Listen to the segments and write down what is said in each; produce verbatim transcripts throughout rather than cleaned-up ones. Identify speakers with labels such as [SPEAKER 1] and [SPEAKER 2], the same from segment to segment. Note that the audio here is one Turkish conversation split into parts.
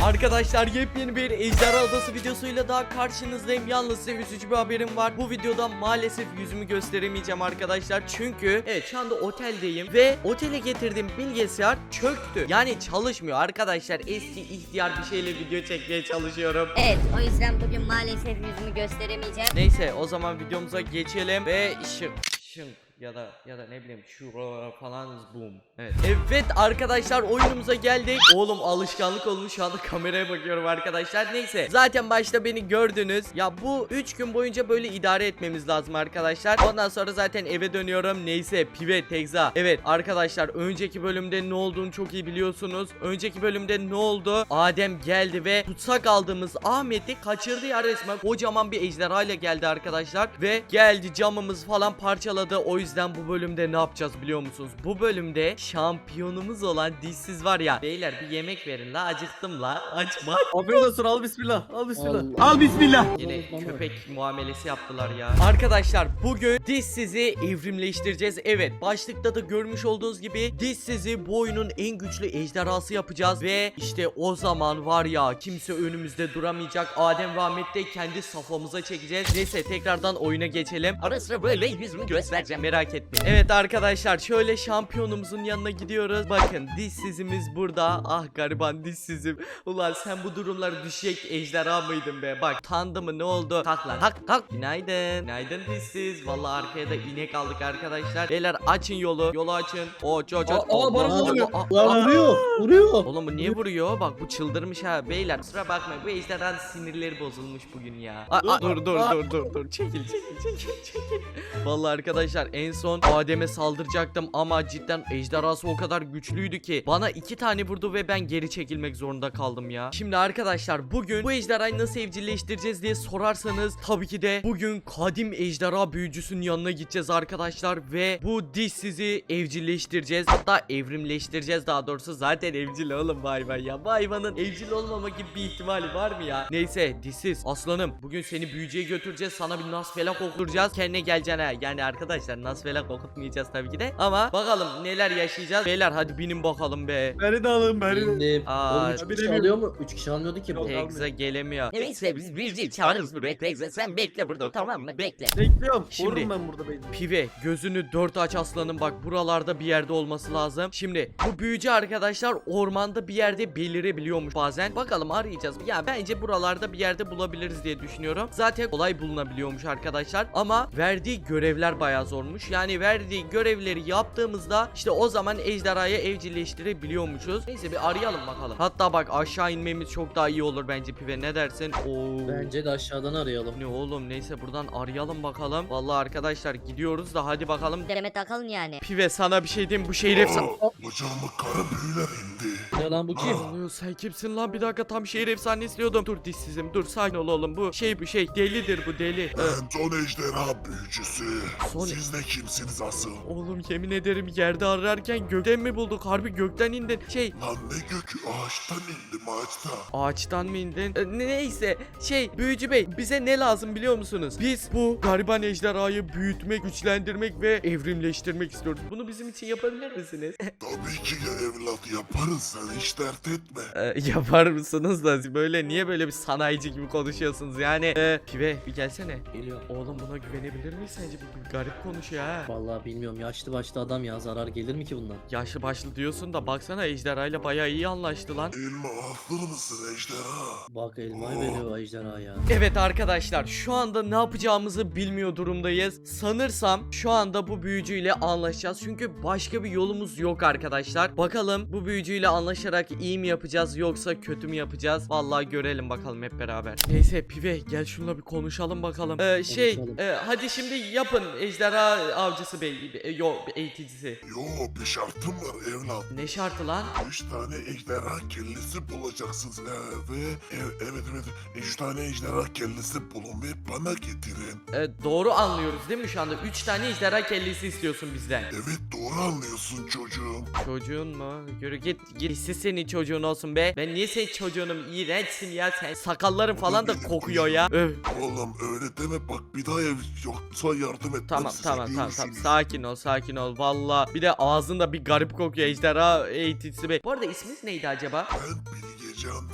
[SPEAKER 1] Arkadaşlar yepyeni bir Ejderha Adası videosuyla daha karşınızdayım. Yalnız size üzücü bir haberim var. Bu videoda maalesef yüzümü gösteremeyeceğim arkadaşlar. Çünkü evet şu anda oteldeyim ve otele getirdiğim bilgisayar çöktü. Yani çalışmıyor arkadaşlar. Eski ihtiyar bir şeyle video çekmeye çalışıyorum.
[SPEAKER 2] Evet, o yüzden bugün maalesef yüzümü gösteremeyeceğim.
[SPEAKER 1] Neyse o zaman videomuza geçelim ve şık şık ya da ya da ne bileyim şu falan boom. Evet. Evet arkadaşlar oyunumuza geldik. Oğlum alışkanlık olmuş, şu anda kameraya bakıyorum arkadaşlar. Neyse zaten başta beni gördünüz. Ya bu üç gün boyunca böyle idare etmemiz lazım arkadaşlar. Ondan sonra zaten eve dönüyorum. Neyse Pive Tekza. Evet arkadaşlar önceki bölümde ne olduğunu çok iyi biliyorsunuz. Önceki bölümde ne oldu? Adem geldi ve tutsak aldığımız Ahmet'i kaçırdı ya resmen. Kocaman bir ejderha ile geldi arkadaşlar. Ve geldi camımız falan parçaladı. O yüzden bu bölümde ne yapacağız biliyor musunuz? Bu bölümde şampiyonumuz olan dişsiz var ya. Beyler bir yemek verin la, acıktım la. Açma.
[SPEAKER 3] Afiyet olsun, al bismillah. Al bismillah.
[SPEAKER 4] Allah.
[SPEAKER 3] Al bismillah.
[SPEAKER 1] Yine köpek muamelesi yaptılar ya. Arkadaşlar bugün dişsizi evrimleştireceğiz. Evet başlıkta da görmüş olduğunuz gibi dişsizi bu oyunun en güçlü ejderhası yapacağız. Ve işte o zaman var ya kimse önümüzde duramayacak. Adem ve Ahmet de kendi safhamıza çekeceğiz. Neyse tekrardan oyuna geçelim.
[SPEAKER 4] Ara sıra böyle yüzümü göstereceğim.
[SPEAKER 1] Merak etmeyin. Evet arkadaşlar şöyle şampiyonumuzun yanına gidiyoruz. Bakın dişsizimiz burada. Ah gariban dişsizim. Ulan sen bu durumlara düşecek ejderha mıydın be? Bak tandı mı ne oldu? Kalk lan kalk kalk. Günaydın. Günaydın dişsiz. Vallahi arkaya da inek aldık arkadaşlar. Beyler açın yolu. Yolu açın. O ço ço.
[SPEAKER 3] Aa, aa, bana vuruyor.
[SPEAKER 1] Aa,
[SPEAKER 4] Lan
[SPEAKER 1] aa.
[SPEAKER 4] vuruyor, vuruyor.
[SPEAKER 1] Oğlum bu niye vuruyor? Bak bu çıldırmış ha. Beyler kusura bakmayın. Bu ejderhanın sinirleri bozulmuş bugün ya. Aa, aa, dur dur dur dur dur. Çekil çekil çekil çekil. Vallahi arkadaşlar en son Adem'e saldıracaktım ama cidden ejderhası o kadar güçlüydü ki bana iki tane vurdu ve ben geri çekilmek zorunda kaldım ya. Şimdi arkadaşlar bugün bu ejderhayı nasıl evcilleştireceğiz diye sorarsanız tabii ki de bugün kadim ejderha büyücüsünün yanına gideceğiz arkadaşlar ve bu dişsizi evcilleştireceğiz. Hatta evrimleştireceğiz daha doğrusu. Zaten evcil oğlum bu hayvan ya. Bu hayvanın evcil olmama gibi bir ihtimali var mı ya? Neyse dişsiz aslanım bugün seni büyücüye götüreceğiz. Sana bir nasfelak okutacağız. Kendine geleceksin ha. Yani arkadaşlar nasfelak okutmayacağız tabii ki de. Ama bakalım neler yaşayacağız. Beyler hadi binin bakalım be.
[SPEAKER 3] Beni de alın, beni de.
[SPEAKER 4] Bindim.
[SPEAKER 1] Aa,
[SPEAKER 4] Oğlum üç kişi alıyor mu? üç kişi almıyordu ki bu.
[SPEAKER 1] Tekza gelemiyor.
[SPEAKER 4] Neyse biz bir değil çağırırız buraya. Bekle sen bekle burada, tamam mı? Bekle.
[SPEAKER 3] Bekliyorum.
[SPEAKER 1] Şimdi-
[SPEAKER 3] Vururum ben burada beni.
[SPEAKER 1] Pive gözünü dört aç aslanım, bak buralarda bir yerde olması lazım. Şimdi bu büyücü arkadaşlar ormanda bir yerde belirebiliyormuş bazen. Bakalım arayacağız. Ya bence buralarda bir yerde bulabiliriz diye düşünüyorum. Zaten kolay bulunabiliyormuş arkadaşlar. Ama verdiği görevler bayağı zormuş. Yani verdiği görevleri yaptığımızda işte o zaman ejderhayı evcilleştirebiliyormuşuz. Neyse bir arayalım bakalım. Hatta bak aşağı inmemiz çok daha iyi olur bence Pive, ne dersin? Oo.
[SPEAKER 4] Bence de aşağıdan arayalım.
[SPEAKER 1] Ne oğlum, neyse buradan arayalım bakalım. Vallahi arkadaşlar gidiyoruz da hadi bakalım.
[SPEAKER 2] Dereme takalım yani.
[SPEAKER 1] Pive sana bir şey diyeyim, bu şehir efsane.
[SPEAKER 5] Bacağıma kara büyüler indi.
[SPEAKER 4] Ne lan bu kim?
[SPEAKER 1] Ne oluyor, sen kimsin lan? Bir dakika, tam şehir efsane istiyordum. Dur dişsizim dur, sakin ol oğlum, bu şey bu şey delidir bu deli. Ee,
[SPEAKER 5] Ben Son Ejderha büyücüsü.
[SPEAKER 1] Son-
[SPEAKER 5] Siz de kimsiniz asıl?
[SPEAKER 1] oğlum yemin ederim yerde ararken gökten mi bulduk? Harbi gökten indin. Şey
[SPEAKER 5] Lan ne gökü, ağaçtan indim ağaçtan.
[SPEAKER 1] ağaçtan mı indin? Ee, neyse şey büyücü bey, bize ne lazım biliyor musunuz? Biz bu gariban ejderhayı büyütmek, güçlendirmek ve evrimleştirmek istiyoruz. Bunu bizim için yapabilir misiniz?
[SPEAKER 5] Tabii ki ya evlat, yaparız, sen hiç dert etme.
[SPEAKER 1] Ee, yapar mısınız da böyle niye böyle bir sanayici gibi konuşuyorsunuz yani? Ee, Pive bir gelsene.
[SPEAKER 4] Geliyor.
[SPEAKER 1] Oğlum buna güvenebilir miyiz sence? Bu bir garip konuşuyor ha.
[SPEAKER 4] Vallahi bilmiyorum, yaşlı başlı adam ya, zarar gelir mi ki bundan?
[SPEAKER 1] Yaşlı başlı diyorsun da baksana ejderhayla bayağı iyi anlaştı lan.
[SPEAKER 5] Elma haklı mısın ejderha?
[SPEAKER 4] Bak elmayı veriyor ejderha ya.
[SPEAKER 1] Evet arkadaşlar şu anda ne yapacağımızı bilmiyor durumdayız. Sanırsam şu anda bu büyücüyle anlaşacağız. Çünkü başka bir yolumuz yok arkadaşlar. Bakalım bu büyücüyle anlaşarak iyi mi yapacağız yoksa kötü mü yapacağız? Vallahi görelim bakalım hep beraber. Neyse Pive gel şununla bir konuşalım bakalım. Ee, şey
[SPEAKER 4] Konuşalım.
[SPEAKER 1] e, hadi şimdi yapın ejderha avcısı bey. E, yo eğiticisi.
[SPEAKER 5] Yo, bir şartım var evlat.
[SPEAKER 1] Ne şartı lan?
[SPEAKER 5] Üç tane ejderha kellesi bulacaksınız ee, ve ev- evet evet üç tane ejderha kellesi bulun ve bana getirin.
[SPEAKER 1] Ee, doğru anlıyoruz değil mi şu anda? Üç tane ejderha kellesi istiyorsun bizden.
[SPEAKER 5] Evet, doğru anlıyorsun çocuğum.
[SPEAKER 1] Çocuğun mu? Yürü git git. Siz senin çocuğun olsun be. Ben niye senin çocuğunum? İğrençsin ya sen. Sakalların falan da kokuyor ya. Öf.
[SPEAKER 5] Oğlum öyle deme, bak bir daha ev yoksa yardım etmem
[SPEAKER 1] Tamam
[SPEAKER 5] size.
[SPEAKER 1] tamam tamam tamam.
[SPEAKER 5] Görüşürüz.
[SPEAKER 1] Sakin ol sakin ol. Valla. Bir de ağzında bir garip kokuyor ejderha eğiticisi be. Bu arada isminiz neydi acaba?
[SPEAKER 5] Ben Bilgecan Dede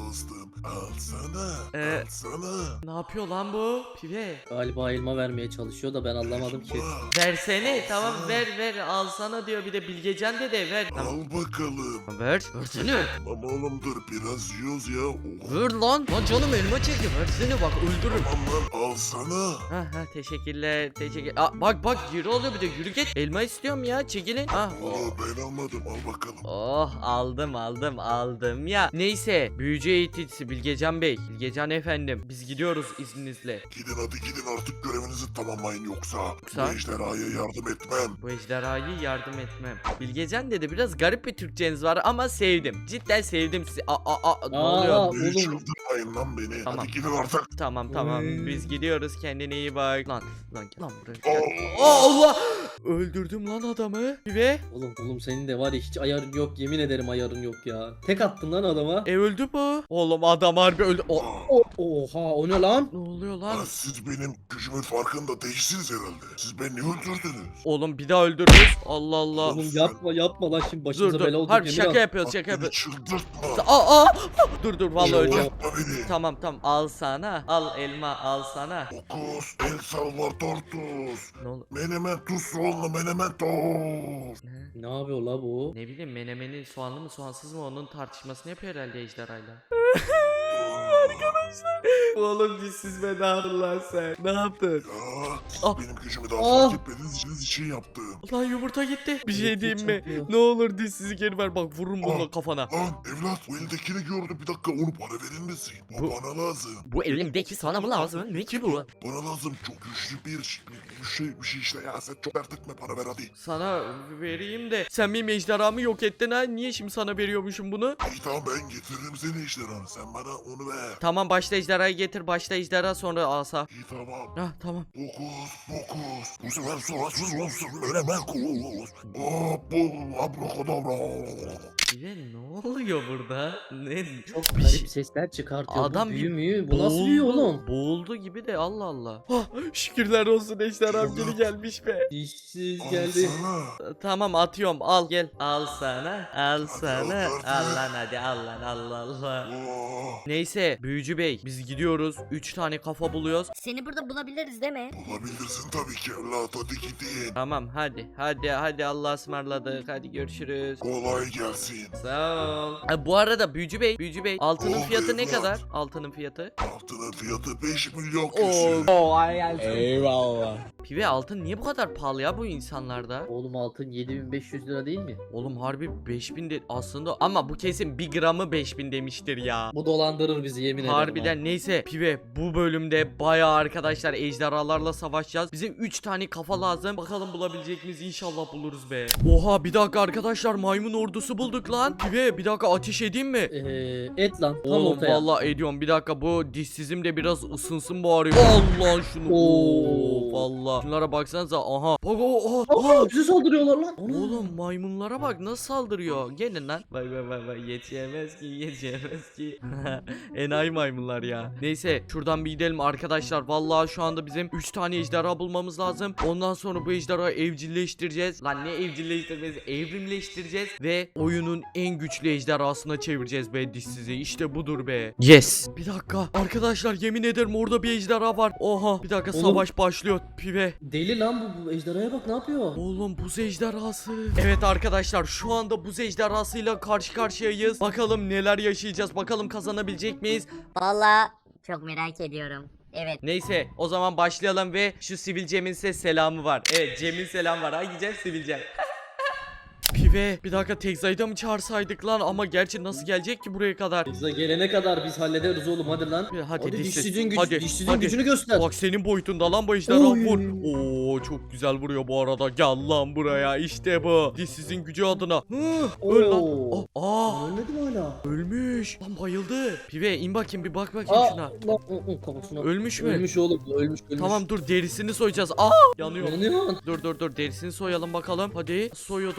[SPEAKER 5] dostum. Al sana.
[SPEAKER 1] Ee,
[SPEAKER 5] Al sana.
[SPEAKER 1] Ne yapıyor lan bu? Pive.
[SPEAKER 3] Galiba elma vermeye çalışıyor da ben anlamadım ki.
[SPEAKER 5] Bak,
[SPEAKER 1] Versene tamam ver ver alsana diyor bir de Bilgecan dede ver. Tamam.
[SPEAKER 5] al bakalım.
[SPEAKER 1] Ver. Versene.
[SPEAKER 5] Tamam oğlum dur biraz yiyoruz ya. Oh.
[SPEAKER 1] Ver lan. Lan canım elma çekti. Versene bak öldürürüm.
[SPEAKER 5] Tamam lan al sana.
[SPEAKER 1] Ha ha teşekkürler teşekkür. Aa, bak bak yürü oluyor bir de yürü git. Elma istiyorum ya çekilin. Ah.
[SPEAKER 5] Valla ben almadım al bakalım.
[SPEAKER 1] Oh aldım aldım aldım ya. Neyse büyücü eğiticisi Bilgecan Bey. Bilgecan efendim biz gidiyoruz izninizle.
[SPEAKER 5] Gidin hadi gidin artık görevinizi tamamlayın yoksa.
[SPEAKER 1] Yoksa?
[SPEAKER 5] Bu ejderhaya yardım etmem.
[SPEAKER 1] Bu ejderhayı yardım etmem. Bilgecan dedi biraz garip bir Türkçeniz var ama sevdim. Cidden sevdim sizi. Aa, aa, aa, ne
[SPEAKER 3] Aa,
[SPEAKER 1] oluyor?
[SPEAKER 5] Beni
[SPEAKER 3] oğlum.
[SPEAKER 5] çıldırmayın lan beni.
[SPEAKER 1] Tamam.
[SPEAKER 5] Hadi gidin artık.
[SPEAKER 1] Tamam tamam
[SPEAKER 3] Oy.
[SPEAKER 1] biz gidiyoruz kendine iyi bak. Lan lan gel lan buraya.
[SPEAKER 5] Aa.
[SPEAKER 1] Gel. Aa, Allah! Öldürdüm lan adamı. Ve
[SPEAKER 3] Oğlum oğlum senin de var ya hiç ayarın yok, yemin ederim ayarın yok ya. Tek attın lan adama.
[SPEAKER 1] e öldü bu. Oğlum adam harbi öldü. O-
[SPEAKER 3] O- Oha o ne lan?
[SPEAKER 1] ne oluyor lan?
[SPEAKER 5] Lan siz benim gücümün farkında değilsiniz herhalde. Siz beni öldürdünüz.
[SPEAKER 1] Oğlum bir daha öldürürüz. Allah Allah.
[SPEAKER 3] Oğlum yapma yapma lan şimdi
[SPEAKER 1] Dur
[SPEAKER 3] başımıza
[SPEAKER 1] dur.
[SPEAKER 3] bela oldu.
[SPEAKER 1] Harbi
[SPEAKER 3] yemin
[SPEAKER 1] şaka
[SPEAKER 3] ederim.
[SPEAKER 1] yapıyoruz
[SPEAKER 5] Bak
[SPEAKER 1] şaka
[SPEAKER 5] beni
[SPEAKER 1] yapıyoruz.
[SPEAKER 5] çıldırtma.
[SPEAKER 1] Aa, aa! Dur dur vallahi öleceğim.
[SPEAKER 5] Çıldırtma beni.
[SPEAKER 1] Tamam tamam al sana. Al elma al sana.
[SPEAKER 5] Fokus, El Salvador Tuz.
[SPEAKER 1] Ne olur?
[SPEAKER 5] Menemen tuz soğanlı menemen toz.
[SPEAKER 1] Ne?
[SPEAKER 3] Ne yapıyor la bu?
[SPEAKER 1] Ne bileyim menemenin soğanlı mı soğansız mı onun tartışmasını yapıyor herhalde ejderhayla. Oğlum siz be ne yaptın lan sen? Ne yaptın?
[SPEAKER 5] Ya siz
[SPEAKER 1] Ah.
[SPEAKER 5] benim gücümü daha
[SPEAKER 3] Ah.
[SPEAKER 5] fark etmediğiniz için için yaptım.
[SPEAKER 1] Lan yumurta gitti. Bir şey
[SPEAKER 3] Yumurta
[SPEAKER 1] diyeyim mi?
[SPEAKER 3] çarpıyor.
[SPEAKER 1] Ne olur dişsizi geri ver bak vururum bununla
[SPEAKER 5] Ah.
[SPEAKER 1] kafana.
[SPEAKER 5] Lan evlat bu eldekini gördüm bir dakika onu bana verir misin? Bu,
[SPEAKER 1] Bu-
[SPEAKER 5] bana lazım.
[SPEAKER 4] Bu elimdeki sana mı lazım? Ne ki bu?
[SPEAKER 5] Bana lazım çok güçlü bir, ş- bir şey bir şey işte ya sen çok dert etme bana ver hadi.
[SPEAKER 1] Sana vereyim de sen benim ejderhamı yok ettin ha. Niye şimdi sana veriyormuşum bunu?
[SPEAKER 5] İyi tamam ben getiririm seni ejderhanı sen bana onu ver.
[SPEAKER 1] Tamam başta ejderhayı getir. Başta ejderha sonra asa.
[SPEAKER 5] İyi tamam.
[SPEAKER 1] Ah tamam.
[SPEAKER 5] Fokus fokus. Bu sefer suratsız olsun menemen kus. Aa bu abrakadabra.
[SPEAKER 1] Bize ne oluyor burada? Ne?
[SPEAKER 3] Çok
[SPEAKER 1] Bir
[SPEAKER 3] garip
[SPEAKER 1] şey-
[SPEAKER 3] sesler çıkartıyor.
[SPEAKER 1] Adam
[SPEAKER 3] bu
[SPEAKER 1] bir
[SPEAKER 3] büyü müyü? Bu nasıl büyü oğlum?
[SPEAKER 1] Boğuldu gibi de Allah Allah. Ah, şükürler olsun ejderham geri gelmiş be.
[SPEAKER 3] Dişsiz
[SPEAKER 5] Al
[SPEAKER 3] geldi.
[SPEAKER 5] sana.
[SPEAKER 1] Tamam atıyorum al gel. Al sana. Al
[SPEAKER 5] Hadi
[SPEAKER 1] sana.
[SPEAKER 5] al, hadi.
[SPEAKER 1] Al lan hadi al lan Allah Allah.
[SPEAKER 5] Oo,
[SPEAKER 1] Neyse büyücü bey biz gidiyoruz. Üç tane kafa buluyoruz.
[SPEAKER 2] Seni burada bulabiliriz değil mi?
[SPEAKER 5] bulabilirsin tabii ki evlat hadi gidin.
[SPEAKER 1] Tamam hadi. Hadi hadi Allah'a ısmarladık. Hadi görüşürüz.
[SPEAKER 5] Kolay gelsin.
[SPEAKER 1] Sağ ol. Ha, bu arada büyücü bey, büyücü bey altının
[SPEAKER 5] Oh,
[SPEAKER 1] fiyatı ne
[SPEAKER 5] evlat.
[SPEAKER 1] kadar? Altının fiyatı?
[SPEAKER 5] Altının fiyatı beş milyon
[SPEAKER 1] Oo.
[SPEAKER 5] küsür.
[SPEAKER 1] Pive altın niye bu kadar pahalı ya bu insanlarda?
[SPEAKER 3] Oğlum altın yedi bin beş yüz lira değil mi?
[SPEAKER 1] Oğlum harbi beş bin de aslında ama bu kesin bir gramı beş bin demiştir ya.
[SPEAKER 3] Bu dolandırır bizi yemin ederim. ha.
[SPEAKER 1] Harbiden neyse Pive bu bölümde bayağı arkadaşlar ejderhalarla savaşacağız. Bize üç tane kafa lazım. Bakalım bulabilecek miyiz? İnşallah buluruz be. Oha bir dakika arkadaşlar maymun ordusu bulduk lan. Pive bir dakika ateş edeyim mi?
[SPEAKER 3] Ee, et lan tam
[SPEAKER 1] Oğlum
[SPEAKER 3] ortaya.
[SPEAKER 1] vallahi ediyorum. Bir dakika bu dişsizim de biraz ısınsın bari. Allah şunu.
[SPEAKER 3] Oo.
[SPEAKER 1] Oo vallahi. Şunlara baksanıza. Aha. Bak o o.
[SPEAKER 3] Aa, bize saldırıyorlar lan. Ana.
[SPEAKER 1] Oğlum maymunlara bak nasıl saldırıyor. Gelin lan. Bak bak bak bak yetişemez ki yetişemez ki. Enayi maymunlar ya. Neyse şuradan bir gidelim arkadaşlar. Vallahi şu anda bizim üç tane ejderha bulmamız lazım. Ondan sonra bu ejderhayı evcilleştireceğiz. Lan ne evcilleştirmesi? Evrimleştireceğiz ve oyunun en güçlü ejderhasına çevireceğiz be dişsizi. İşte budur be. Yes. Bir dakika arkadaşlar yemin ederim orada bir ejderha var. Oha bir dakika
[SPEAKER 3] Oğlum.
[SPEAKER 1] savaş başlıyor Pive.
[SPEAKER 3] Deli lan bu, bu ejderhaya bak ne yapıyor?
[SPEAKER 1] Oğlum buz ejderhası. Evet arkadaşlar şu anda buz ejderhasıyla karşı karşıyayız. Bakalım neler yaşayacağız. Bakalım kazanabilecek miyiz?
[SPEAKER 2] Vallahi çok merak ediyorum. Evet.
[SPEAKER 1] Neyse o zaman başlayalım ve şu Sivil Cem'in size selamı var. Evet Cem'in selamı var. Hangi Cem? Sivil Cem. Pive bir dakika Tekza'yı mı çağırsaydık lan ama gerçi nasıl gelecek ki buraya kadar?
[SPEAKER 3] Bize gelene kadar biz hallederiz oğlum hadi lan.
[SPEAKER 1] Hadi,
[SPEAKER 3] Hadi
[SPEAKER 1] dişsiz.
[SPEAKER 3] dişsizin, güç,
[SPEAKER 1] Hadi,
[SPEAKER 3] dişsizin
[SPEAKER 1] hadi.
[SPEAKER 3] gücünü göster.
[SPEAKER 1] Bak senin boyutunda lan bu ejderha
[SPEAKER 3] Oy.
[SPEAKER 1] vur. Oo çok güzel vuruyor bu arada. Gel lan buraya işte bu. Dişsizin gücü adına. Hı, öl lan.
[SPEAKER 3] Oo.
[SPEAKER 1] Aa, aa,
[SPEAKER 3] Ölmedi mi hala?
[SPEAKER 1] ölmüş. Lan bayıldı. Pive in bakayım bir bak bakayım
[SPEAKER 3] Aa,
[SPEAKER 1] şuna.
[SPEAKER 3] lan, ı, ı, kafasına.
[SPEAKER 1] Ölmüş mü?
[SPEAKER 3] Ölmüş oğlum ölmüş ölmüş.
[SPEAKER 1] Tamam dur derisini soyacağız. Aa yanıyor.
[SPEAKER 3] Yanıyor.
[SPEAKER 1] Dur dur dur derisini soyalım bakalım. Hadi soyuyorduk lan bunun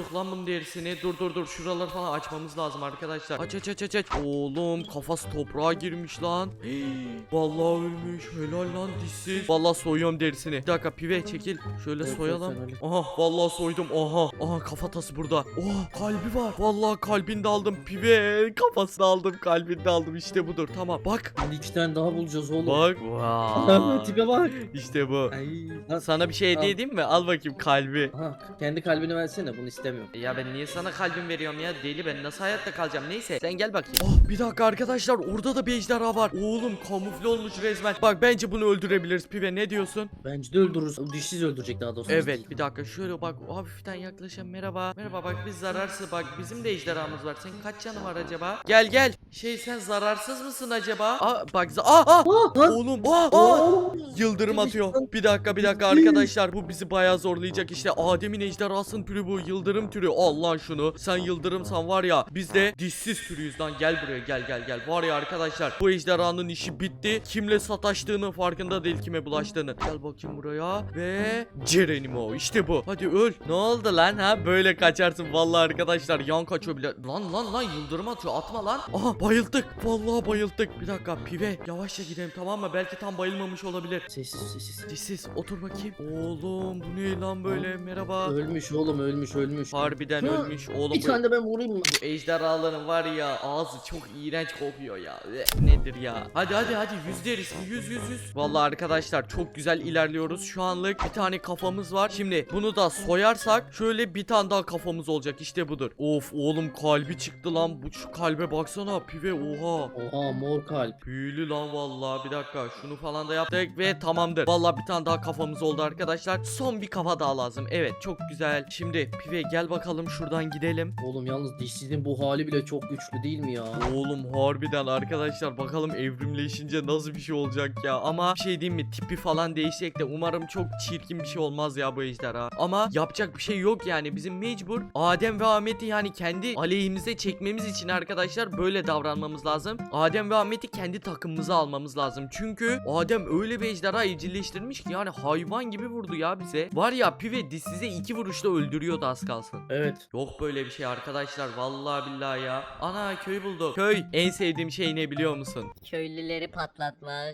[SPEAKER 1] Soydum derisini. Dur dur dur. Şuraları falan açmamız lazım arkadaşlar. Aç aç aç aç aç. Oğlum kafası toprağa girmiş lan. Hey, vallahi ölmüş. Helal lan dişsiz. Vallahi soyuyorum derisini. Bir dakika pive çekil. Şöyle
[SPEAKER 3] Evet,
[SPEAKER 1] soyalım.
[SPEAKER 3] evet, sen
[SPEAKER 1] Aha vallahi soydum. Aha. Aha kafatası burada. Oh kalbi var. Vallahi kalbini de aldım pive. Kafasını aldım. Kalbini de aldım. İşte budur. Tamam. Bak.
[SPEAKER 3] Şimdi iki tane daha bulacağız oğlum.
[SPEAKER 1] Bak. Vay.
[SPEAKER 3] Tipe bak.
[SPEAKER 1] İşte bu.
[SPEAKER 3] Ay. Lan,
[SPEAKER 1] Sana bir şey hediye
[SPEAKER 3] Al.
[SPEAKER 1] edeyim mi? Al bakayım kalbi.
[SPEAKER 3] aha, kendi kalbini versene, bunu istemiyorum.
[SPEAKER 1] Ya ben niye sana kalbim veriyorum ya? Deli, ben nasıl hayatta kalacağım? Neyse sen gel bakayım. Oh bir dakika arkadaşlar, orada da bir ejderha var. Oğlum kamufle olmuş resmen. Bak bence bunu öldürebiliriz pive, ne diyorsun?
[SPEAKER 3] Bence de öldürürüz. O dişsiz öldürecek daha doğrusu.
[SPEAKER 1] Evet bir dakika şöyle bak, hafiften yaklaşalım. Merhaba. Merhaba, bak biz zararsız, bak bizim de ejderhamız var. Senin kaç canın var acaba? Gel gel. Şey sen zararsız mısın acaba? Aa bak za- aa, aa!
[SPEAKER 3] Aa, lan.
[SPEAKER 1] Oğlum aa, aa!
[SPEAKER 3] Oo.
[SPEAKER 1] Yıldırım atıyor. Bir dakika bir dakika arkadaşlar, bu bizi bayağı zorlayacak işte. Adem'in ejderhasının türü bu, yıldırım türü. Al lan şunu. Sen yıldırımsan var ya, biz de dişsiz türüyüz lan. Gel buraya, gel gel gel. Var ya arkadaşlar, bu ejderhanın işi bitti. Kimle sataştığını farkında değil, kime bulaştığını. Gel bakayım buraya ve Cerenimo işte bu. Hadi öl. Ne oldu lan ha? Böyle kaçarsın vallahi arkadaşlar. Yan kaçıyor bile. Lan lan lan yıldırım atıyor. Atma lan. Aha bayıldık. Vallahi bayıldık. Bir dakika pive. Yavaşça gidelim tamam mı? Belki tam bayılmamış olabilir.
[SPEAKER 3] Sessiz sessiz.
[SPEAKER 1] Dişsiz otur bakayım. Oğlum bu ne lan böyle? Merhaba.
[SPEAKER 3] Ölmüş oğlum, ölmüş ölmüş.
[SPEAKER 1] Harbiden
[SPEAKER 3] Hı,
[SPEAKER 1] ölmüş oğlum.
[SPEAKER 3] Bir
[SPEAKER 1] bu-
[SPEAKER 3] tane de ben vurayım mı?
[SPEAKER 1] Bu ejderhaların var ya, ağzı çok iğrenç kokuyor ya. Eh, nedir ya? Hadi hadi hadi yüz deriz. Yüz yüz yüz. Vallahi arkadaşlar çok güzel ilerliyoruz. Şu anlık bir tane kafamız var. Şimdi bunu da soyarsak şöyle bir tane daha kafamız olacak. İşte budur. Of oğlum kalbi çıktı lan. Bu şu kalbe baksana pive, oha.
[SPEAKER 3] Oha, mor kalp.
[SPEAKER 1] Büyülü lan vallahi. Bir dakika şunu falan da yaptık ve tamamdır. Vallahi bir tane daha kafamız oldu arkadaşlar. Son bir kafa daha lazım. Evet çok güzel. Şimdi pive gel bakalım şuradan gidelim.
[SPEAKER 3] Oğlum yalnız dişsizin bu hali bile çok güçlü değil mi ya?
[SPEAKER 1] Oğlum harbiden arkadaşlar, bakalım evrimleşince nasıl bir şey olacak ya. Ama bir şey diyeyim mi, tipi falan değişecek de umarım çok çirkin bir şey olmaz ya bu ejderha. Ama yapacak bir şey yok yani, bizim mecbur Adem ve Ahmet'i yani kendi aleyhimize çekmemiz için arkadaşlar böyle davranmamız lazım. Adem ve Ahmet'i kendi takımımıza almamız lazım. Çünkü Adem öyle bir ejderha evcilleştirmiş ki yani hayvan gibi vurdu ya bize. Var ya pive size iki vuruşta öldürüyordu az kalsın.
[SPEAKER 3] Evet.
[SPEAKER 1] Yok böyle bir şey arkadaşlar, vallahi billahi ya. Ana köy bulduk. Köy en sevdiğim şey ne biliyor musun?
[SPEAKER 2] Köylüleri patlatmak.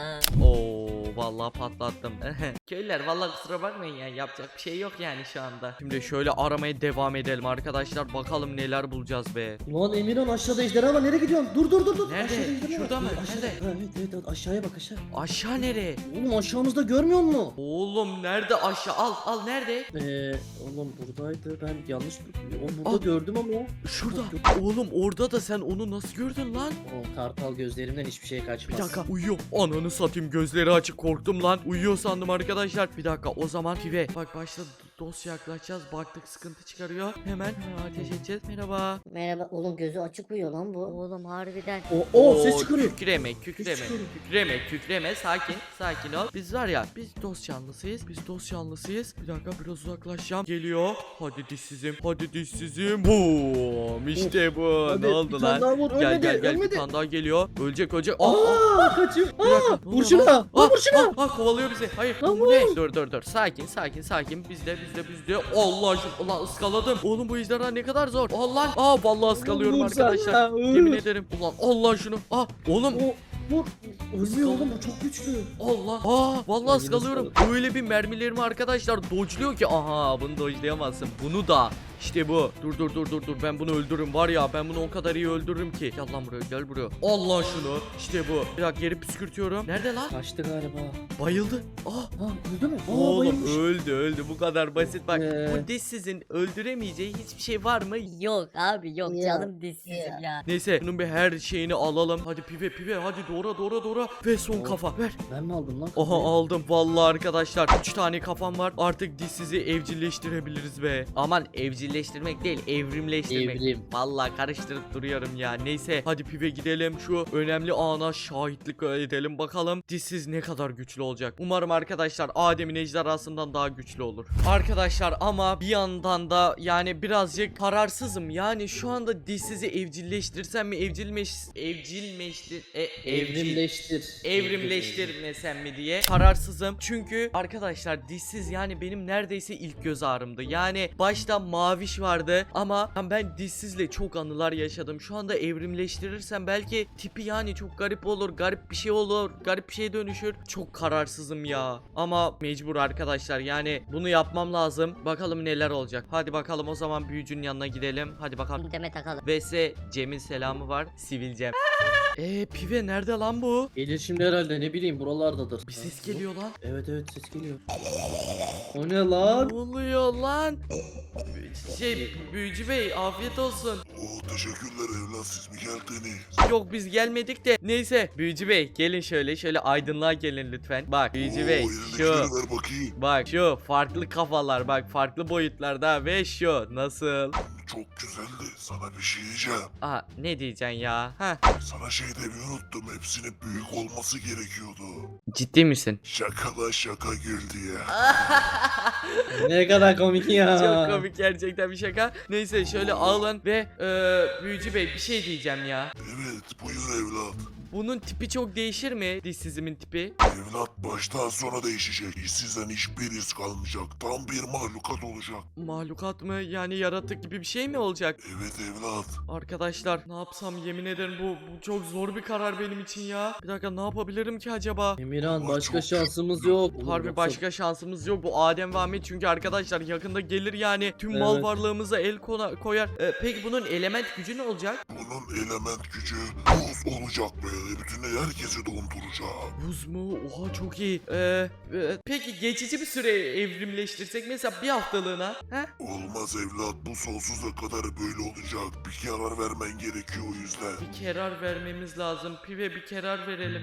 [SPEAKER 1] Oo vallahi patlattım. Köylüler vallahi kusura bakmayın ya, yapacak bir şey yok yani şu anda. Şimdi şöyle aramaya devam edelim arkadaşlar, bakalım neler bulacağız be.
[SPEAKER 3] Ulan Emirhan, aşağıda ejderha var, nereye gidiyorsun? Dur dur dur dur.
[SPEAKER 1] Nerede?
[SPEAKER 3] Aşağıda ejderha
[SPEAKER 1] Şurada
[SPEAKER 3] var.
[SPEAKER 1] mı?
[SPEAKER 3] Evet, aşağıda.
[SPEAKER 1] Nerede?
[SPEAKER 3] Ha, evet, evet evet, aşağıya bak aşağı.
[SPEAKER 1] Aşağı nereye?
[SPEAKER 3] Oğlum aşağımızda görmüyor musun?
[SPEAKER 1] Oğlum nerede aşağı? Al al nerede?
[SPEAKER 3] Eee oğlum buradaydı, ben yanlış o burada
[SPEAKER 1] Al.
[SPEAKER 3] gördüm ama.
[SPEAKER 1] Şurada. Oğlum orada da, sen onu nasıl gördün lan?
[SPEAKER 3] O kartal gözlerimden hiçbir şey
[SPEAKER 1] Bir
[SPEAKER 3] kaçmaz.
[SPEAKER 1] dakika uyuyor. Ananı satayım, gözleri açık, korktum lan. Uyuyor sandım arkadaşlar. Bir dakika o zaman pive. Bak başta dosya yaklaşacağız. Baktık sıkıntı çıkarıyor. Hemen hemen ateş edeceğiz. Merhaba.
[SPEAKER 2] Merhaba oğlum, gözü açık uyuyor lan bu. Oğlum harbiden.
[SPEAKER 3] O, o ses çıkarıyor.
[SPEAKER 1] Kükreme, kükreme,
[SPEAKER 3] çıkarıyor.
[SPEAKER 1] kükreme, kükreme. Sakin, sakin ol. Biz var ya, biz dost canlısıyız. Biz dost canlısıyız. Bir dakika biraz uzaklaşacağım. Geliyor. Hadi dişsizim, hadi dişsizim. Boom. İşte bu.
[SPEAKER 3] Hadi,
[SPEAKER 1] ne oldu
[SPEAKER 3] bir
[SPEAKER 1] lan?
[SPEAKER 3] tane daha vur.
[SPEAKER 1] Gel
[SPEAKER 3] Ölmedi,
[SPEAKER 1] gel gel.
[SPEAKER 3] ölmedi.
[SPEAKER 1] Bir tane daha geliyor. Ölecek ölecek. Aa, aa,
[SPEAKER 3] Aa, kaçıyor.
[SPEAKER 1] bir dakika.
[SPEAKER 3] Aa,
[SPEAKER 1] Ne
[SPEAKER 3] vur
[SPEAKER 1] oluyor
[SPEAKER 3] şuna.
[SPEAKER 1] lan?
[SPEAKER 3] Vur
[SPEAKER 1] Aa,
[SPEAKER 3] vur şuna.
[SPEAKER 1] aa, aa, kovalıyor bizi. Hayır.
[SPEAKER 3] Lan
[SPEAKER 1] Bu ne?
[SPEAKER 3] vur.
[SPEAKER 1] Dur dur dur. Sakin sakin sakin. Bizde bizde bizde. Allah aşkına. Allah ıskaladım. Oğlum bu ejderha ne kadar zor. Allah. Aa vallahi ıskalıyorum
[SPEAKER 3] Vur sen
[SPEAKER 1] arkadaşlar.
[SPEAKER 3] ya, vur.
[SPEAKER 1] Yemin ederim. Ulan Allah şunu. Aa oğlum.
[SPEAKER 3] O vur. Ölmüyor oğlum, bu çok güçlü.
[SPEAKER 1] Allah. Aa vallahi
[SPEAKER 3] Ben
[SPEAKER 1] ıskalıyorum. Öyle bir mermilerimi arkadaşlar dodge'luyor ki. Aha bunu dodge'layamazsın. Bunu da. İşte bu. Dur dur dur dur dur. Ben bunu öldürürüm var ya. Ben bunu o kadar iyi öldürürüm ki. Gel lan buraya, gel buraya. Allah şunu. İşte bu. Bir dakika geri püskürtüyorum. Nerede lan?
[SPEAKER 3] Kaçtı galiba.
[SPEAKER 1] Bayıldı. Aa.
[SPEAKER 3] Ha, öldü mü? Aa,
[SPEAKER 1] Oğlum
[SPEAKER 3] bayılmış.
[SPEAKER 1] öldü öldü, bu kadar basit. Bak
[SPEAKER 3] Ee.
[SPEAKER 1] bu dişsizin öldüremeyeceği hiçbir şey var mı?
[SPEAKER 2] Yok abi yok,
[SPEAKER 3] Ya.
[SPEAKER 2] canım dişsizim ya.
[SPEAKER 1] Neyse bunun bir her şeyini alalım. Hadi pive pive hadi doğra doğra doğra. Ve son
[SPEAKER 3] Oh.
[SPEAKER 1] kafa ver.
[SPEAKER 3] Ben mi aldım lan?
[SPEAKER 1] Aha
[SPEAKER 3] kafayı?
[SPEAKER 1] aldım vallahi arkadaşlar. üç tane kafam var. Artık dişsizi evcilleştirebiliriz be. Aman evcilleştirmek değil, evrimleştirmek.
[SPEAKER 3] Evrim.
[SPEAKER 1] Vallahi karıştırıp duruyorum ya. Neyse hadi pive gidelim. Şu önemli ana şahitlik edelim. Bakalım dişsiz ne kadar güçlü olacak. Umarım arkadaşlar Adem'in ejderhasından daha güçlü olur. Arkadaşlar ama bir yandan da yani birazcık kararsızım. Yani şu anda dişsizi evcilleştirsem mi, evcilmeş evcilmeştir e, evcil
[SPEAKER 3] Evrimleştir.
[SPEAKER 1] evrimleştirmesem mi diye kararsızım. Çünkü arkadaşlar dişsiz yani benim neredeyse ilk göz ağrımdı. Yani başta mavi maviş vardı ama ben dişsizle çok anılar yaşadım. Şu anda evrimleştirirsem belki tipi yani çok garip olur, garip bir şey olur, garip bir şeye dönüşür. Çok kararsızım ya. Ama mecbur arkadaşlar, yani bunu yapmam lazım. Bakalım neler olacak. Hadi bakalım o zaman büyücünün yanına gidelim. Hadi bakalım.
[SPEAKER 2] Deme takalım.
[SPEAKER 1] V S Cem'in selamı var. Sivilcem. Eee pive nerede lan bu?
[SPEAKER 3] Gelir şimdi herhalde, ne bileyim, buralardadır.
[SPEAKER 1] Bir ses geliyor lan.
[SPEAKER 3] Evet evet, ses geliyor. O ne lan?
[SPEAKER 1] Ne oluyor lan? Şey büyücü bey afiyet olsun.
[SPEAKER 5] Oo, teşekkürler evlat, siz mi geldiniz?
[SPEAKER 1] Yok biz gelmedik de. Neyse büyücü bey gelin şöyle şöyle aydınlığa gelin lütfen. Bak büyücü
[SPEAKER 5] Oo,
[SPEAKER 1] bey
[SPEAKER 5] elindekileri
[SPEAKER 1] şu.
[SPEAKER 5] ver bakayım.
[SPEAKER 1] Bak şu farklı kafalar, bak farklı boyutlarda ve şu nasıl?
[SPEAKER 5] Çok güzeldi. Sana bir şey diyeceğim.
[SPEAKER 1] Aa ne diyeceksin ya? Ha
[SPEAKER 5] Sana şey demeyi unuttum. Hepsinin büyük olması gerekiyordu.
[SPEAKER 1] ciddi misin?
[SPEAKER 5] Şaka la şaka güldü ya.
[SPEAKER 3] Ne kadar komik ya.
[SPEAKER 1] Çok komik gerçekten, bir şaka. Neyse şöyle alın ve e, büyücü bey bir şey diyeceğim ya.
[SPEAKER 5] Evet buyur evlat.
[SPEAKER 1] Bunun tipi çok değişir mi? Dişsizimin tipi.
[SPEAKER 5] Evlat baştan sona değişecek. İşsizden hiçbir iz kalmayacak. Tam bir mahlukat olacak.
[SPEAKER 1] Mahlukat mı? Yani yaratık gibi bir şey mi olacak?
[SPEAKER 5] Evet evlat.
[SPEAKER 1] Arkadaşlar ne yapsam, yemin ederim bu, bu çok zor bir karar benim için ya. Bir dakika ne yapabilirim ki acaba?
[SPEAKER 3] Emirhan, başka şansımız yok. Oğlum,
[SPEAKER 1] Harbi
[SPEAKER 3] yoksa-
[SPEAKER 1] başka şansımız yok. Bu Adem ve Ahmet çünkü arkadaşlar yakında gelir yani. Tüm mal
[SPEAKER 3] Evet.
[SPEAKER 1] varlığımıza el kona- koyar. E, peki bunun element gücü ne olacak?
[SPEAKER 5] Bunun element gücü buz olacak böyle. Bütün herkesi donduracak.
[SPEAKER 1] Buz mu? Oha çok iyi. Ee, e, peki geçici bir süre evrimleştirsek mesela bir haftalığına. He?
[SPEAKER 5] Olmaz evlat, bu sonsuza kadar böyle olacak. Bir karar vermen gerekiyor o yüzden.
[SPEAKER 1] Bir karar vermemiz lazım. Pive bir karar verelim.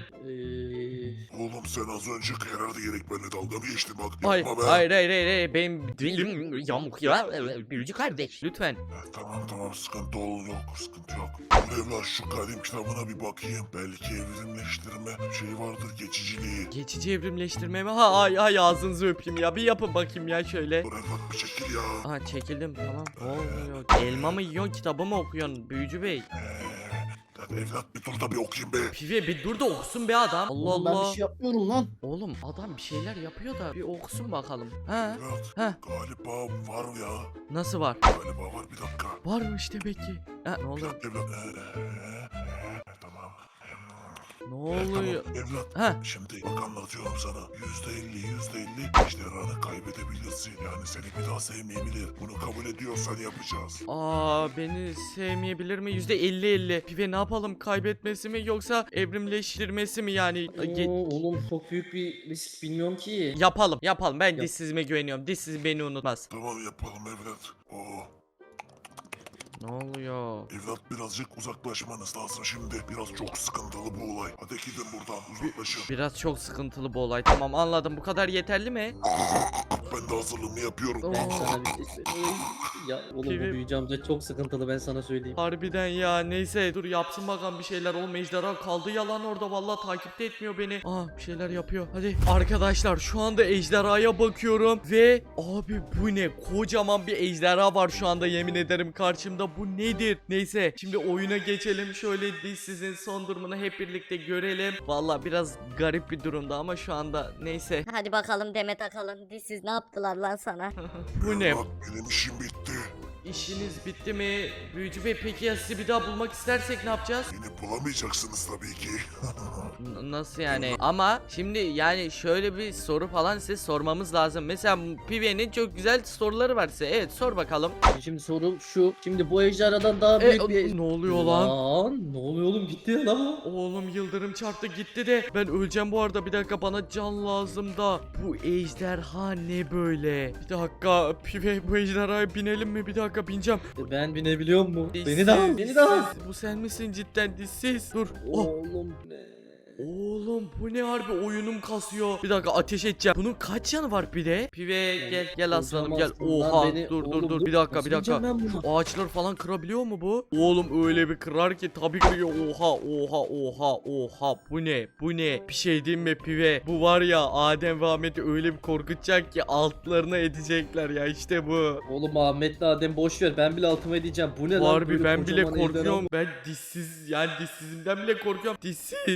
[SPEAKER 3] Ee,
[SPEAKER 5] Oğlum sen az önce karardı gerek, benimle dalga mı geçtin bak.
[SPEAKER 1] Hayır,
[SPEAKER 5] Yapma be.
[SPEAKER 1] hayır, hayır, hayır, hayır. Benim
[SPEAKER 4] Dilim yamuk ya. Büyücü kardeş.
[SPEAKER 1] lütfen.
[SPEAKER 5] Eh, tamam tamam sıkıntı ol yok sıkıntı yok. Dur evlat şu kadim kitabına bir bakayım. Belki evrimleştirme şey vardır, geçiciliği.
[SPEAKER 1] Geçici evrimleştirme mi? Ha ay ay ağzınızı öpeyim ya. Bir yapın bakayım ya şöyle.
[SPEAKER 5] Dur evlat bir çekil ya.
[SPEAKER 1] Aha çekildim tamam. Ne oluyor? Elma mı yiyorsun, kitabı mı okuyorsun büyücü bey?
[SPEAKER 5] Eee, hadi evlat bir dur da bir okuyayım be.
[SPEAKER 1] Pive bir dur da okusun be adam. Allah
[SPEAKER 3] oğlum, ben
[SPEAKER 1] Allah.
[SPEAKER 3] bir şey yapmıyorum lan.
[SPEAKER 1] Oğlum adam bir şeyler yapıyor da bir okusun bakalım. Ha?
[SPEAKER 5] Evlat
[SPEAKER 1] Ha?
[SPEAKER 5] galiba var ya.
[SPEAKER 1] Nasıl var?
[SPEAKER 5] Galiba var, bir dakika.
[SPEAKER 1] Varmış demek ki. Ha ne
[SPEAKER 5] Bir
[SPEAKER 1] oluyor?
[SPEAKER 5] dakika evlat. Eee, eee, eee, tamam.
[SPEAKER 1] Ne
[SPEAKER 5] Eh,
[SPEAKER 1] oluyor?
[SPEAKER 5] Tamam evlat.
[SPEAKER 1] Ha?
[SPEAKER 5] Şimdi bak anlatıyorum sana. Yüzde elli, yüzde elli ejderhanı kaybedebilirsin. Yani seni bir daha sevmeyebilir. Bunu kabul ediyorsan yapacağız.
[SPEAKER 1] Aa beni sevmeyebilir mi? yüzde elli elli. Pive ne yapalım? Kaybetmesi mi yoksa evrimleştirmesi mi yani? Ge-
[SPEAKER 3] Oo, oğlum çok büyük bir risk, bilmiyorum ki.
[SPEAKER 1] yapalım yapalım. Ben
[SPEAKER 3] Yap.
[SPEAKER 1] dişsizime güveniyorum. Dişsiz beni unutmaz.
[SPEAKER 5] Tamam yapalım evlat. Oo,
[SPEAKER 1] Ne oluyor?
[SPEAKER 5] evlat birazcık uzaklaşmanız lazım şimdi. Biraz çok sıkıntılı bu olay. Hadi gidin buradan uzaklaşın.
[SPEAKER 1] Biraz çok sıkıntılı bu olay. Tamam anladım. Bu kadar yeterli mi?
[SPEAKER 5] Ben de hazırlığımı yapıyorum.
[SPEAKER 3] Ben sana bir şey söyleyeyim. Ya oğlum, bu
[SPEAKER 1] Pivi-
[SPEAKER 3] büyücü amca çok sıkıntılı, ben sana söyleyeyim.
[SPEAKER 1] Harbiden ya, neyse dur yapsın bakalım bir şeyler. Oğlum ejderha kaldı yalan orada, vallahi takipte etmiyor beni. Aa bir şeyler yapıyor. Hadi arkadaşlar şu anda ejderhaya bakıyorum ve abi bu ne, kocaman bir ejderha var şu anda, yemin ederim karşımda. Bu nedir? Neyse şimdi oyuna geçelim. Şöyle dişsizin son durumunu hep birlikte görelim. Vallahi biraz garip bir durumda ama şu anda neyse.
[SPEAKER 2] Hadi bakalım deme takalım. Dişsiz ne yaptılar lan sana?
[SPEAKER 1] Bu ne?
[SPEAKER 5] Bak benim işim bitti.
[SPEAKER 1] İşiniz bitti mi? Büyücü Bey peki ya sizi bir daha bulmak istersek ne yapacağız?
[SPEAKER 5] Beni bulamayacaksınız tabii ki.
[SPEAKER 1] N- Nasıl yani? Ama şimdi yani şöyle bir soru falan size sormamız lazım. Mesela Pive'nin çok güzel soruları var size. Evet sor bakalım.
[SPEAKER 3] Şimdi sorum şu. Şimdi bu ejderhadan daha
[SPEAKER 1] E,
[SPEAKER 3] büyük bir...
[SPEAKER 1] ne oluyor lan?
[SPEAKER 3] Lan ne oluyor oğlum, gitti ya lan o.
[SPEAKER 1] Oğlum yıldırım çarptı gitti de ben öleceğim bu arada, bir dakika bana can lazım da. Bu ejderha ne böyle? Bir dakika Pive, bu ejderhaya binelim mi? Bir dakika bineceğim.
[SPEAKER 3] Ben binebiliyor mu? Beni
[SPEAKER 1] Dişsiz,
[SPEAKER 3] de al, beni de al.
[SPEAKER 1] dişsiz. Bu sen misin cidden dişsiz? Dur. Oh.
[SPEAKER 3] Oğlum ne?
[SPEAKER 1] Oğlum bu ne, harbi oyunum kasıyor. Bir dakika ateş edeceğim. Bunun kaç canı var bir de? Pive gel gel aslanım gel.
[SPEAKER 3] Kocamazsın lan
[SPEAKER 1] Oha
[SPEAKER 3] beni.
[SPEAKER 1] dur dur
[SPEAKER 3] Oğlum,
[SPEAKER 1] dur
[SPEAKER 3] dur.
[SPEAKER 1] bir dakika
[SPEAKER 3] Nasıl
[SPEAKER 1] bir dakika.
[SPEAKER 3] bineceğim ben buna?
[SPEAKER 1] Şu ağaçları falan kırabiliyor mu bu? Oğlum öyle bir kırar ki tabii kırıyor. Oha oha oha oha, bu ne bu ne? Bir şey diyeyim mi Pive? Bu var ya Adem ve Ahmet'i öyle bir korkutacak ki altlarına edecekler ya, işte bu.
[SPEAKER 3] Oğlum Ahmet'le Adem boş ver, ben bile altıma edeceğim. Bu ne lan?
[SPEAKER 1] Harbi
[SPEAKER 3] Böyle
[SPEAKER 1] ben bile
[SPEAKER 3] kocaman ejderha.
[SPEAKER 1] korkuyorum. Ben dişsiz, yani dişsizimden bile korkuyorum. Dişsiz. Ne yaptın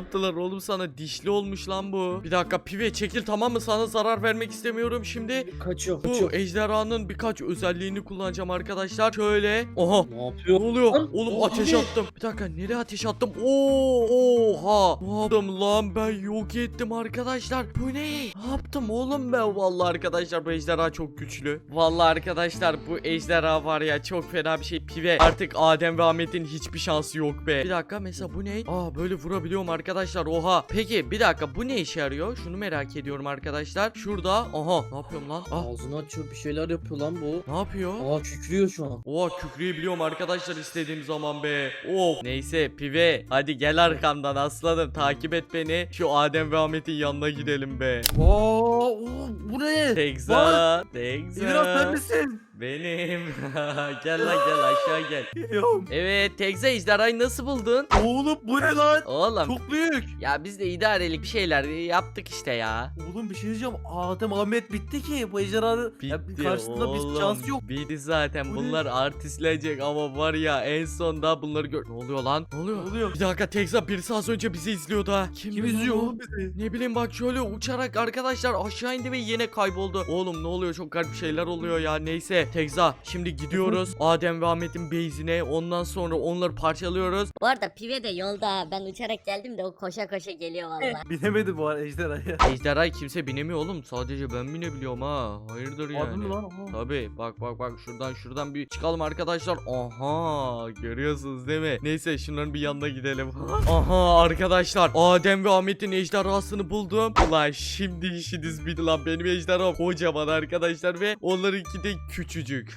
[SPEAKER 1] yaptılar oğlum sana? Dişli olmuş lan bu. Bir dakika pive çekil, tamam mı? Sana zarar vermek istemiyorum şimdi.
[SPEAKER 3] Kaçıyor
[SPEAKER 1] Bu
[SPEAKER 3] kaçıyor.
[SPEAKER 1] ejderhanın birkaç özelliğini kullanacağım arkadaşlar. Şöyle. Oha.
[SPEAKER 3] Ne
[SPEAKER 1] Ne
[SPEAKER 3] yapıyor?
[SPEAKER 1] oluyor?
[SPEAKER 3] Lan,
[SPEAKER 1] Oğlum
[SPEAKER 3] o
[SPEAKER 1] ateş
[SPEAKER 3] ne?
[SPEAKER 1] attım. Bir dakika nereye ateş attım? Oo, oha. Ne yaptım lan ben, yok ettim arkadaşlar. Bu ne? Ne yaptım oğlum ben? Vallahi arkadaşlar bu ejderha çok güçlü. Vallahi arkadaşlar bu ejderha var ya, çok fena bir şey pive. Artık Adem ve Ahmet'in hiçbir şansı yok be. Bir dakika mesela bu ne? Aa böyle vurabiliyorum arkadaşlar, oha. Peki bir dakika bu ne işe yarıyor? Şunu merak ediyorum arkadaşlar. Şurada. Aha ne yapıyorum lan? Ah
[SPEAKER 3] Ağzını açıyor, bir şeyler yapıyor lan bu.
[SPEAKER 1] ne yapıyor?
[SPEAKER 3] Aa kükrüyor şu an.
[SPEAKER 1] Oha kükrüyebiliyorum arkadaşlar istediğim zaman be. Of. Neyse pive hadi gel arkamdan aslanım, takip et beni. Şu Adem ve Ahmet'in yanına gidelim be.
[SPEAKER 6] Oo, bu ne?
[SPEAKER 1] Tekza. Tekza.
[SPEAKER 6] Emirhan sen misin?
[SPEAKER 1] Benim. Gel lan gel aşağı gel.
[SPEAKER 6] Geliyorum.
[SPEAKER 1] Evet Tekza, ejderhayı nasıl buldun?
[SPEAKER 6] Oğlum bu ne lan?
[SPEAKER 1] Oğlum.
[SPEAKER 6] Çok büyük.
[SPEAKER 1] Ya biz de idarelik bir şeyler yaptık işte ya.
[SPEAKER 6] Oğlum bir şey diyeceğim. Adem Ahmet bitti ki. Bu ejderhanın ya,
[SPEAKER 1] Bitti
[SPEAKER 6] karşısında
[SPEAKER 1] oğlum.
[SPEAKER 6] bir şansı yok.
[SPEAKER 1] Bitti zaten.
[SPEAKER 6] Bu ne?
[SPEAKER 1] Bunlar artistlenecek ama var ya en sonda bunları gör... Ne oluyor lan? Ne oluyor?
[SPEAKER 6] Ne oluyor?
[SPEAKER 1] Bir dakika Tekza, birisi az önce bizi izliyordu ha. Kim,
[SPEAKER 6] Kim
[SPEAKER 1] lan
[SPEAKER 6] izliyor
[SPEAKER 1] o?
[SPEAKER 6] oğlum bizi?
[SPEAKER 1] Ne bileyim bak şöyle uçarak arkadaşlar aşağı indi ve yine kayboldu. Oğlum ne oluyor, çok garip şeyler oluyor ya. Neyse Tekza şimdi gidiyoruz Adem ve Ahmet'in base'ine, ondan sonra onları parçalıyoruz.
[SPEAKER 2] Bu arada pive de yolda. Ben uçarak geldim de o koşa koşa geliyor valla.
[SPEAKER 6] Binemedi bu arada ejderhaya.
[SPEAKER 1] Ejderhayı kimse binemiyor oğlum, sadece ben binebiliyorum ha. Hayırdır yani.
[SPEAKER 6] Harbi mi lan? Oha.
[SPEAKER 1] Tabii bak bak bak şuradan şuradan bir çıkalım arkadaşlar. Aha görüyorsunuz değil mi? Neyse şunların bir yanına gidelim. Aha arkadaşlar Adem ve Ahmet'in ejderhasını buldum. Ulan şimdi işiniz bitti lan, benim ejderham kocaman arkadaşlar ve onlarınki de küçücük.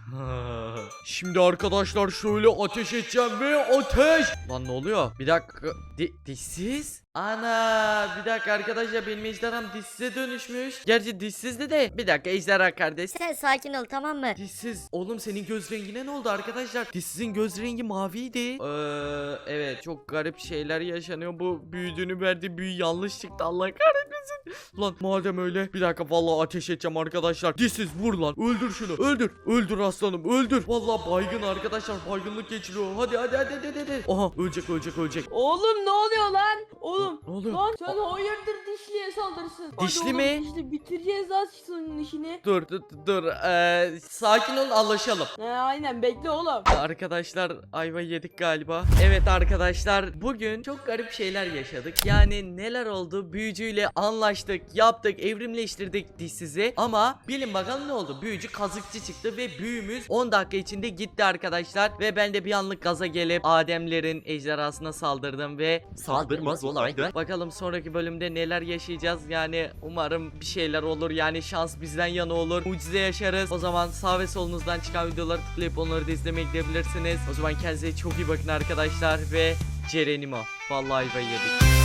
[SPEAKER 1] Şimdi arkadaşlar şöyle ateş edeceğim ve ateş. Lan ne oluyor? Bir dakika. Di dişsiz? Ana bir dakika arkadaşlar, benim ejderham dişsize dönüşmüş. Gerçi dişsizdi de. Bir dakika ejderha kardeş.
[SPEAKER 2] Sen sakin ol tamam mı?
[SPEAKER 1] Dişsiz. Oğlum senin göz rengine ne oldu arkadaşlar? Dişsizin göz rengi maviydi. Ee, evet çok garip şeyler yaşanıyor. Bu büyüdüğünü verdiği büyü yanlış çıktı, Allah kahretmesin. Lan madem öyle bir dakika vallahi ateş edeceğim arkadaşlar. Dişsiz vur lan, öldür şunu, öldür. Öldür aslanım, öldür. Vallahi baygın arkadaşlar, baygınlık geçiriyor. Hadi hadi hadi hadi hadi. Aha ölecek ölecek ölecek.
[SPEAKER 7] Oğlum ne oluyor lan? Oğlum
[SPEAKER 1] Ne oluyor?
[SPEAKER 7] lan sen hayırdır dişliye saldırsın. Hadi
[SPEAKER 1] Dişli
[SPEAKER 7] oğlum,
[SPEAKER 1] mi?
[SPEAKER 7] Dişli bitireceğiz lan senin işini.
[SPEAKER 1] Dur dur dur. Ee, sakin ol, anlaşalım.
[SPEAKER 7] He aynen bekle oğlum.
[SPEAKER 1] Arkadaşlar ayva yedik galiba. Evet arkadaşlar bugün çok garip şeyler yaşadık. Yani neler oldu? Büyücüyle anlaştık, yaptık, evrimleştirdik dişsizi. Ama bilin bakalım ne oldu? Büyücü kazıkçı çıktı ve büyümüz on dakika içinde gitti arkadaşlar. Ve ben de bir anlık gaza gelip Ademlerin ejderhasına saldırdım ve
[SPEAKER 4] Saldırmaz olaydı.
[SPEAKER 1] bakalım sonraki bölümde neler yaşayacağız. Yani umarım bir şeyler olur. Yani şans bizden yana olur. Mucize yaşarız. O zaman sağ ve solunuzdan çıkan videoları tıklayıp onları da izlemeye gidebilirsiniz. O zaman kendinize çok iyi bakın arkadaşlar ve Cerenimo. Vallahi ayva yedik.